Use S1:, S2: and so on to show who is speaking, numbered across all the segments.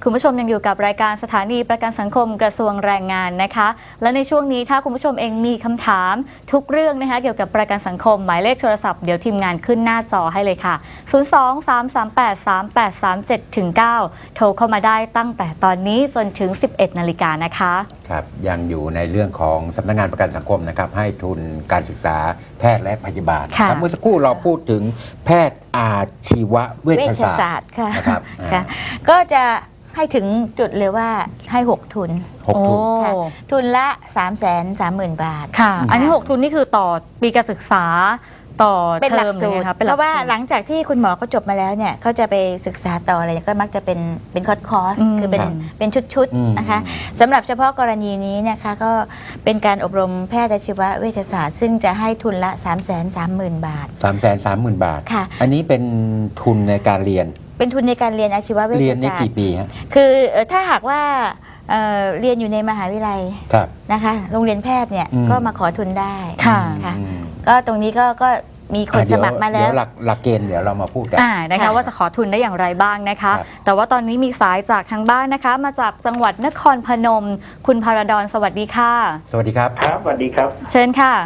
S1: คุณผู้ชมยังอยู่กับรายการสถานีประกันสังคมกระทรวงแรงงานนะคะและในช่วงนี้ถ้าคุณผู้ชมเองมีคำถามทุกเรื่องนะคะเกี่ยวกับประกันสังคมหมายเลขโทรศัพท์เดี๋ยวทีมงานขึ้นหน้าจอให้เลยค่ะ 023383837-9 โทรเข้ามาได้ตั้งแต่ตอนนี้จนถึง 11 นาฬิกานะคะ
S2: ครับยังอยู่ในเรื่องของสำนักงานประกันสังคมนะครับให้ทุนการศึกษาแพทย์และพยาบาลครับเมื่อสักครู่เราพูดถึงแพทย์อาชีวเวชศาสตร์
S3: นะครับก็จะให้ถึงจุดเลยว่าให้6 ทุน
S2: 6 ทุน
S3: ค่ะทุนละ 330,000 บาท
S1: ค่ะอันนี้6 ทุนนี่คือต่อปีการศึกษาต่อ
S3: เป็นหลักสูตรเพราะว่าหลังจากที่คุณหมอเขาจบมาแล้วเนี่ยเขาจะไปศึกษาต่ออะไรก็มักจะเป็นคอร์สคือเป็นชุดๆนะคะสำหรับเฉพาะกรณีนี้นะคะก็เป็นการอบรมแพทย์อาชีวเวชศาสตร์ซึ่งจะให้ทุนละ 330,000 บาท
S2: 330,000 บาท
S3: ค่ะ
S2: อันนี้เป็นทุนในการเรียน
S3: เป็นทุนในการเรียนอาชีวเวชศาสตร์
S2: เรียนในกี่ปีฮะ
S3: คือถ้าหากว่าเรียนอยู่ในมหาวิทยาลัยนะคะโรงเรียนแพทย์เนี่ยก็มาขอทุนได้ค่ะก็ตรงนี้ก็มีคนสมัครมาแล้ว
S2: เดี๋ยวหลักเกณฑ์เดี๋ยวเรามาพูดกัน
S1: นะคะว่าจะขอทุนได้อย่างไรบ้างนะคะแต่ว่าตอนนี้มีสายจากทางบ้านนะคะมาจากจังหวัดนครพนมคุณพาราดอนสวัสดีค่ะ
S2: สวัสดีครับ
S4: ครับสวัสดีครับ
S1: เชิญค่ะ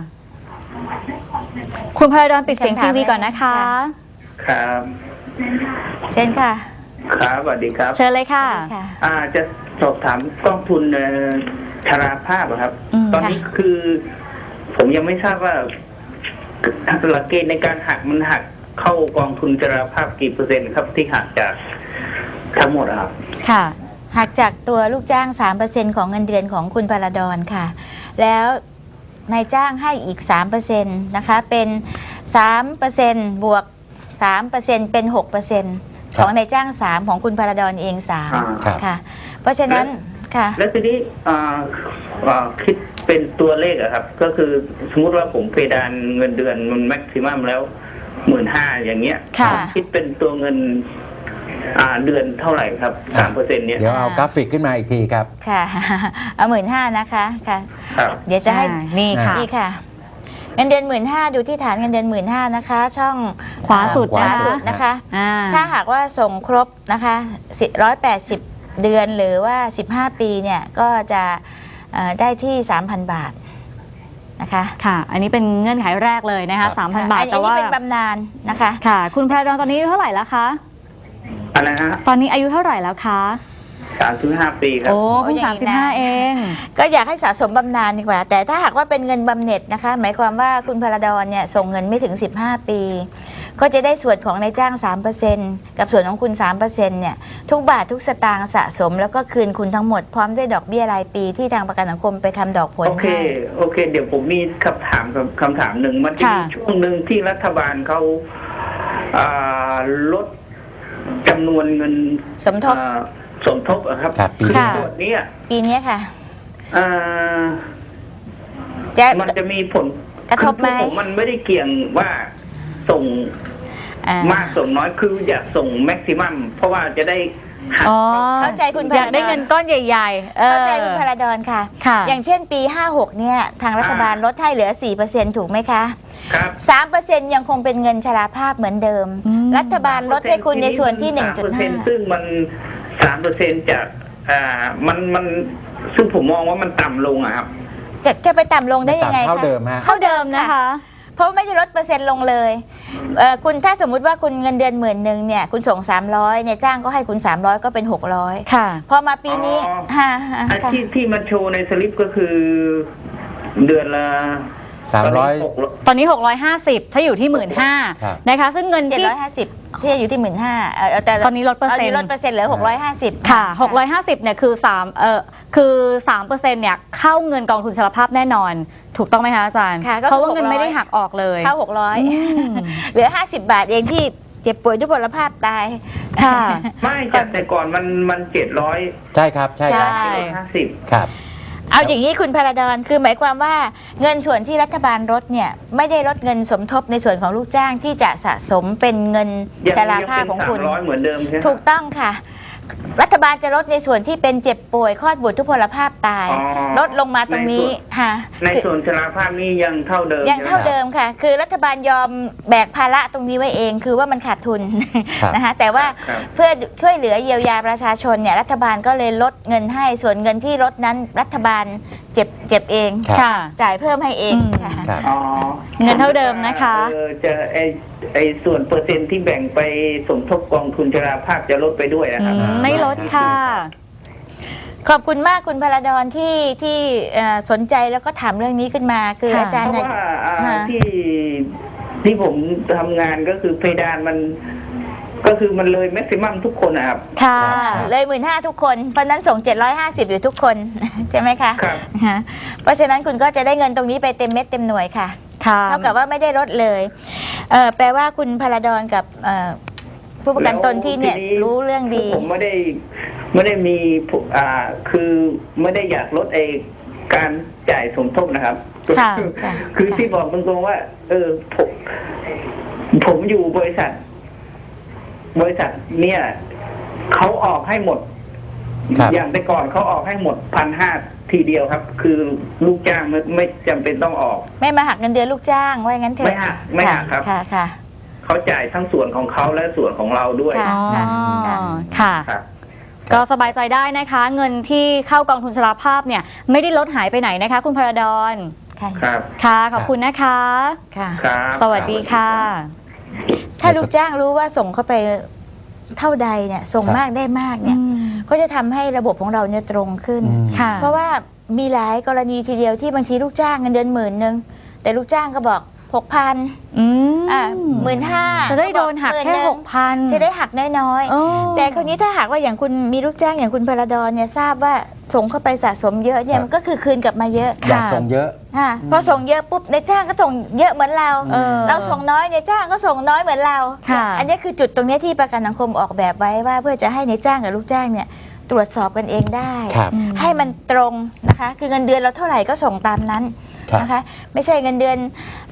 S1: คุณพาราดอนปิดเสียงทีวีก่อนนะคะ
S4: ครับ
S3: เชิญค่ะ
S4: ครับสวัสดีครับ
S1: เชิญเลยค่ะ
S4: จะสอบถามกองทุนชราภาพครับตอนนี้คือผมยังไม่ทราบว่าหลักเกณฑ์ในการหักมันหักเข้ากองทุนชราภาพกี่เปอร์เซ็นต์ครับที่หักจากทั้งหมดครับ
S3: ค่ะหักจากตัวลูกจ้าง 3% ของเงินเดือนของคุณพาราดอนค่ะแล้วนายจ้างให้อีก 3% นะคะเป็น 3% บวก 3% เป็น 6% ของนายจ้าง3ของคุณพาราดอนเอง3ค่ะเพราะฉะนั้นค่ะ
S4: แล้วทีนี้คิดเป็นตัวเลขอะครับก็คือสมมติว่าผมเพดานเงินเดือนมันแม็กซิมัมแล้ว 15,000 อย่างเงี้ยคิดเป็นตัวเงินเดือนเท่าไหร่ครับ 3% เนี่ย
S2: เดี๋ยวเอากราฟิกขึ้นมาอีกทีครับ
S3: ค่ะเอา 15,000 นะคะค่ะเดี๋ยวจะให้
S1: นี่ค่ะ
S3: เงินเดือน 15,000 ดูที่ฐานเงินเดือน 15,000 นะคะช่อง
S1: ขวาสุด
S3: นะคะถ้าหากว่าส่งครบนะคะ180 เดือนหรือว่า15 ปีเนี่ยก็จะได้ที่ 3,000 บาทนะคะ
S1: ค่ะอันนี้เป็นเงื่อนไขแรกเลยนะคะ 3,000 บาท
S3: แต่ว่าเป็นบำนาญนะคะ
S1: ค่ะคุณพาราดอนตอนนี้อายุเท่าไหร่แล้วคะ
S4: อะไรฮะ
S1: ตอนนี้อายุเท่าไหร่แล้วคะ
S4: 35 ปีครับ
S1: โอ้เพิ่ง35เอง
S3: ก็อยากให้สะสมบำนาญดีกว่าแต่ถ้าหากว่าเป็นเงินบำเหน็จนะคะหมายความว่าคุณพาราดอนเนี่ยส่งเงินไม่ถึง15 ปีก็จะได้ส่วนของนายจ้าง 3% กับส่วนของคุณ 3% เนี่ยทุกบาททุกสตางค์สะสมแล้วก็คืนคุณทั้งหมดพร้อมด้วยดอกเบี้ยรายปีที่ทางประกันสังคมไปทำดอกผลให้
S4: โอเคเดี๋ยวผมมีคำถามหนึ่งมันจะมีช่วงหนึ่งที่รัฐบาลเขาลดจำนวนเงินสมทบครับ
S2: ปี
S3: นี้ค่ะ
S4: มันจะมีผล
S3: กระทบไหม
S4: มันไม่ได้เกี่ยงว่าส่งมากส่งน้อยคืออยากส่งแม็กซิมัมเพราะว่าจะได้
S3: เข้าใจคุณพาราดอน
S1: อยากได้เงินก้อนใหญ่ๆ
S3: เข้าใจคุณพาราดอนค่ะอย่างเช่นปี56เนี่ยทางรัฐบาลลดให้เหลือ 4% ถูกไหมคะ
S4: ครับ
S3: 3% ยังคงเป็นเงินชราภาพเหมือนเดิมรัฐบาลลดให้คุณในส่วนที่ 1.5
S4: ซึ่งมัน 3% จากมันซึ่งผมมองว่ามันต่ำลงอะครับ
S3: จะไปต่ำลงได้ยังไงคะ
S2: เท่าเดิมฮะ
S3: เท่าเดิมนะคะเพราะไม่ได้ลดเปอร์เซ็นต์ลงเลยคุณถ้าสมมุติว่าคุณเงินเดือน10,000เนี่ยคุณส่ง300เนี่ยจ้างก็ให้คุณ300ก็เป็น600
S1: ค่ะ
S3: พอมาปีนี้
S4: ที่มันโชว์ในสลิปก็คือเดือนละ
S2: 300
S1: ตอนนี้650ถ้าอยู่ที่ 15,000 นะคะซึ่งเงินที่
S3: 750ที่อยู่ที่ 15,000แต่
S1: ตอนนี้ลดเปอร์เซ็นต์
S3: เหลือ650
S1: ค่ะ650เนี่ยคือ3% เนี่ยเข้าเงินกองทุนชราภาพแน่นอนถูกต้องไหมคะอาจารย์เพราะว่าเงินไม่ได้หักออกเลย
S3: เข้า600เหลือ50 บาทเองที่เจ็บป่วยด้วยพลภาพตาย
S1: ค่ะ
S4: ไม่แต่ก่อนมัน700
S2: ใช่ครับใช่
S4: 50
S2: ครับ
S3: เอาอย่างนี้คุณพาราดอนคือหมายความว่าเงินส่วนที่รัฐบาลลดเนี่ยไม่ได้ลดเงินสมทบในส่วนของลูกจ้างที่จะสะสมเป็นเงินชราภาพของคุณ
S4: เหมือนเดิมใช่ไหม
S3: ถูกต้องค่ะรัฐบาลจะลดในส่วนที่เป็นเจ็บป่วยคลอดบุตรทุพพลภาพตาย
S4: อ๋อ
S3: ลดลงมาตรงนี้ค่ะ
S4: ใน
S3: คือ
S4: ส่วนชราภาพนี่ยังเท่าเดิม
S3: ยังเท่า
S4: ใช่ไหม
S3: เดิมค่ะ คือรัฐบาลยอมแบกภาระตรงนี้ไว้เอง คือว่ามันขาดทุน
S2: ครับ
S3: นะคะแต่ว่า
S4: ครับ
S3: เพื่อช่วยเหลือเยียวยาประชาชนเนี่ยรัฐบาลก็เลยลดเงินให้ส่วนเงินที่ลดนั้นรัฐบาลเจ็บเอง
S2: ครับ
S1: ค่ะ
S3: จ่ายเพิ่มให้เอง
S1: อืม
S3: ค่ะ
S2: ครับ
S4: อ๋อ
S1: เงินเท่าเดิมนะคะ
S4: จะไอส่วนเปอร์เซ็นต์ที่แบ่งไปสมทบกองทุนชราภาพจะลดไปด้วยนะครับ
S1: ไม่ลดค่ะ
S3: ขอบคุณมากคุณพลดรที่สนใจแล้วก็ถามเรื่องนี้ขึ้นมาคือ
S1: ค่ะ
S3: อาจาร
S4: เพ
S3: ย์
S4: ราะ
S3: เนี่ย
S4: ว่า
S3: ฮะ
S4: ที่ผมทำงานก็คือเพดานมัน ก็คือมันเลยแม็กซิมัมทุกคนนะครับ
S1: ค่ะ
S3: เลย15,000ทุกคนเพราะนั้นส่ง750อยู่ทุกคน ใช่ไหมคะ
S4: ครับ
S3: ฮะเพราะฉะนั้นคุณก็จะได้เงินตรงนี้ไปเต็มเม็ดเต็มหน่วยค่ะ
S1: ค่ะ
S3: เท่ากับว่าไม่ได้ลดเลยแปลว่าคุณพลดรกับผู้ประกันตนที่เนี่ย
S4: แล้วที
S3: รู้เรื่องดี
S4: ผมไม่ได้มีคือไม่ได้อยากลดการจ่ายสมทบนะครับ
S1: ค่ะ
S3: ค่ะ
S4: คือ
S3: ค่ะ
S4: ที่บอกตรงๆว่า ผมอยู่บริษัท เนี่ยเขาออกให้หมด
S2: ครับ
S4: อย่างแต่ก่อนเขาออกให้หมด1,500ทีเดียวครับ คือลูกจ้างไม่จำเป็นต้องออก
S3: ไม่มาหักเงินเดือนลูกจ้างว่างั้นเถอะ
S4: ไม่หักครับ
S3: ค่ะค่ะ
S4: เขาจ่ายทั้งส่วนของเขาและส่วนของเราด้วย
S3: ค่ะ
S1: อ๋อ
S3: ค่ะ
S1: ค่ะ
S4: ครับ
S1: ก็สบายใจได้นะคะ เงินที่เข้ากองทุนชราภาพเนี่ยไม่ได้ลดหายไปไหนนะคะ คุณพระดอน
S3: ค่ะ
S4: ครับ
S1: ค่ะ ขอบคุณนะคะ
S3: ค่ะ
S4: ครับ
S1: สวัสดีค่ะ
S3: ถ้าลูกจ้างรู้ว่าส่งเข้าไปเท่าใดเนี่ยส่ง
S2: ครับ
S3: มากได้มากเนี่ยก็จะทำให้ระบบของเราเนี่ยตรงขึ้น
S2: อืม
S1: ค่ะ
S3: เพราะว่ามีหลายกรณีทีเดียวที่บางทีลูกจ้างเงินเดือน10,000แต่ลูกจ้างก็บอก 6,000
S1: อืม
S3: 15,000
S1: จะได้โดนหักแค่ 6,000
S3: จะได้หักน้อย
S1: โอ้
S3: ๆแต่คราวนี้ถ้าหากว่าอย่างคุณมีลูกจ้างอย่างคุณพลดรเนี่ยทราบว่าส่งเข้าไปสะสมเยอะเนี่ย
S2: ครับ
S3: มันก็คือคืนกลับมาเยอะ
S2: อยากส่งเยอะ
S3: พอส่งเยอะปุ๊บในจ้างก็ส่งเยอะเหมือนเรา
S1: เออ
S3: เราส่งน้อยในจ้างก็ส่งน้อยเหมือนเรา
S1: ค่ะ
S3: อันนี้คือจุดตรงนี้ที่ประกันสังคมออกแบบไว้ว่าเพื่อจะให้ในจ้างกับลูกจ้างเนี่ยตรวจสอบกันเองได้
S2: ครับ
S3: ให้มันตรงนะคะ คือเงินเดือนเราเท่าไหร่ก็ส่งตามนั้น
S2: ครับ
S3: นะคะ ไม่ใช่เงินเดือน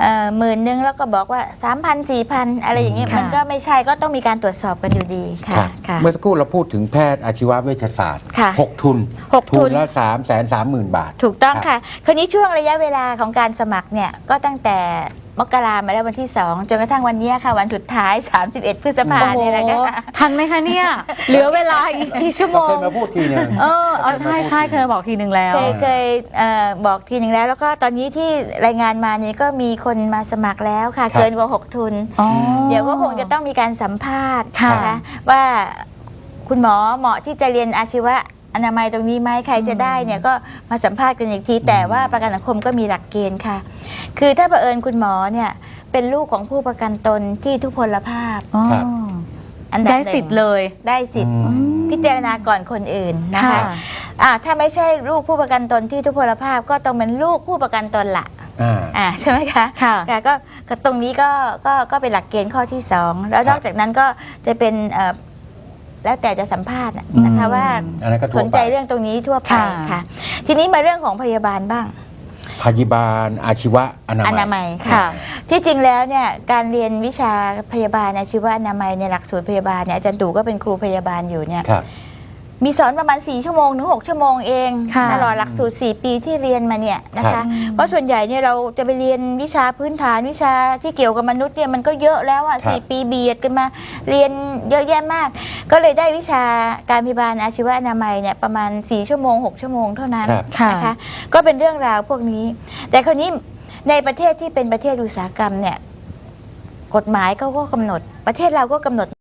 S3: 10,000แล้วก็บอกว่า 3,000 4,000 อะไรอย่างเงี้ย
S1: ค่ะ
S3: มันก็ไม่ใช่ก็ต้องมีการตรวจสอบกันอยู่ดีค่ะ
S2: ครับ
S3: ค่ะ
S2: เมื่อสักครู่เราพูดถึงแพทย์อาชีวเวชศาสตร์
S3: ค่ะ
S2: 6 ทุน
S3: หกทุน
S2: ละ330,000 บาท
S3: ถูกต้อง
S2: ครับ
S3: ค่ะ คราวนี้ช่วงระยะเวลาของการสมัครเนี่ยก็ตั้งแต่มกรามาแล้ววันที่ 2 จนกระทั่งวันนี้ค่ะ วันสุดท้าย 31 พฤษภา
S1: โอ้โห
S3: เนี่ยนะคะ
S1: ทันไหมคะเนี่ย เหลือเวลาอีกกี่ชั่วโม
S2: เราเค
S1: ง
S2: ยมาพูดทีหนึง
S1: ใช่ใช่เคยบอกทีหนึ่งแล้ว
S3: เคยบอกทีหนึ่งแล้วก็ตอนนี้ที่รายงานมานี่ก็มีคนมาสมัครแล้วค่ะ
S2: ครับ
S3: เกินกว่า 6 ทุน
S1: อ๋อ
S3: เดี๋ยวก็คงจะต้องมีการสัมภาษณ์
S1: ค่ะ
S3: นะคะว่าคุณหมอเหมาะที่จะเรียนอาชีวะอนามัยตรงนี้ไหมใครจะได้เนี่ยก็มาสัมภาษณ์กันอีกที แต่ว่าประกันสังคมก็มีหลักเกณฑ์ค่ะ คือถ้าเผอิญคุณหมอเนี่ยเป็นลูกของผู้ประกันตนที่ทุพพลภาพ
S1: อ๋อ
S2: ครับ
S3: อันดับ
S1: ได้
S3: หนึ่ง
S1: สิทธิ์เลย
S3: ได้สิทธิ์
S2: อืม
S3: พิจารณาก่อนคนอื่นนะคะ
S1: ค่ะ
S3: ถ้าไม่ใช่ลูกผู้ประกันตนที่ทุพพลภาพก็ต้องเป็นลูกผู้ประกันตนละ ใช่ไหมคะ
S1: ค่ะ
S3: ก็ตรงนี้ก็เป็นหลักเกณฑ์ข้อที่ 2 แล้วนอกจากนั้นก็จะเป็นแล้วแต่จะสัมภาษณ์นะคะ
S1: อืม
S3: ว่า
S2: อันนั้นก็ทั่วไป
S3: สนใจเรื่องตรงนี้ทั่วไป
S1: ค่ะ
S3: ค่ะ ทีนี้มาเรื่องของพยาบาลบ้าง
S2: พยาบาลอาชีวะอนา
S3: อนา
S2: มั
S3: มั
S2: ย
S3: ย
S1: ค่ะ
S3: ค่ะ ที่จริงแล้วเนี่ยการเรียนวิชาพยาบาลอาชีวะอนามัยในหลักสูตรพยาบาลเนี่ยอาจารย์ตู่ก็เป็นครูพยาบาลอยู่เนี่ย
S2: ครับ
S3: มีสอนประมาณ4 ชั่วโมงถึง 6 ชั่วโมงเอง
S1: ค่ะ
S3: ตลอดหลักสูตร 4 ปีที่เรียนมาเนี่ยนะ
S2: ครั
S3: คะ
S2: บ
S3: เพราะส่วนใหญ่เนี่ยเราจะไปเรียนวิชาพื้นฐานวิชาที่เกี่ยวกับมนุษย์เนี่ยมันก็เยอะแล้วอ่ะ
S2: ครับ
S3: 4 ปีเบียดกันมาเรียนเยอะแยะมาก ก็เลยได้วิชาการพยาบาลอาชีวะอนามัยเนี่ยประมาณ4 ชั่วโมง 6 ชั่วโมงเท่านั้น
S2: ครับ
S1: ค่ะ
S3: นะคะก็เป็นเรื่องราวพวกนี้ แต่คราวนี้ในประเทศที่เป็นประเทศอุตสาหกรรมเนี่ยกฎหมายเขาก็กำหนดประเทศเราก็กำหนด